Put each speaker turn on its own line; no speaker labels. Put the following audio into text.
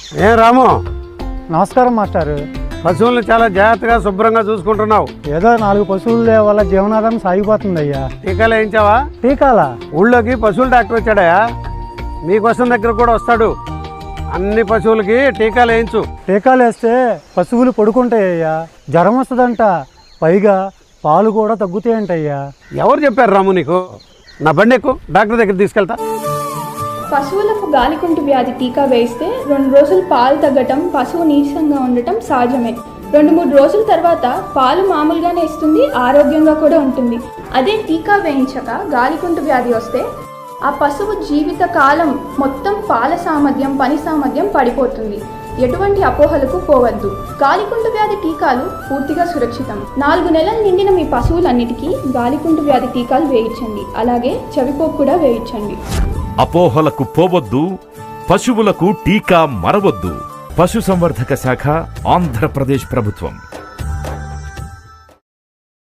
ఏం రాము,
నమస్కారం మాస్టారు.
పశువులను చాలా జాగ్రత్తగా శుభ్రంగా చూసుకుంటున్నావు.
ఏదో 4 పశువుల వల్ల జీవనాధారం సాగిపోతుంది అయ్యా.
టీకాలు వేయించావా?
టీకాలా?
ఊళ్ళోకి పశువుల డాక్టర్ వచ్చాడయా, మీకోసం దగ్గర కూడా వస్తాడు. అన్ని పశువులకి టీకాలు వేయించు.
టీకాలు వేస్తే పశువులు పడుకుంటాయ్యా, జ్వరం వస్తుందంట, పైగా పాలు కూడా తగ్గుతాయంటయ్యా.
ఎవరు చెప్పారు రాము నీకు? నా బండి ఎక్కు, డాక్టర్ దగ్గర తీసుకెళ్తా.
పశువులకు గాలికుంటు వ్యాధి టీకా వేస్తే 2 రోజులు పాలు తగ్గటం, పశువు నీరసంగా ఉండటం సహజమే. 2-3 రోజుల తర్వాత పాలు మామూలుగానే ఇస్తుంది, ఆరోగ్యంగా కూడా ఉంటుంది. అదే టీకా వేయించక గాలికుంటు వ్యాధి వస్తే ఆ పశువు జీవిత కాలం మొత్తం పాల సామర్థ్యం, పని సామర్థ్యం పడిపోతుంది. ఎటువంటి అపోహలకు పోవద్దు. గాలికుంటు వ్యాధి టీకాలు పూర్తిగా సురక్షితం. 4 నెలలు నిండిన మీ పశువులన్నిటికీ గాలికుంటు వ్యాధి టీకాలు వేయించండి. అలాగే చెవిపోపు కూడా వేయించండి.
అపోహలకు పోవద్దు, పశువులకు టీకా మరవద్దు. పశుసంవర్ధక శాఖ, ఆంధ్రప్రదేశ్ ప్రభుత్వం.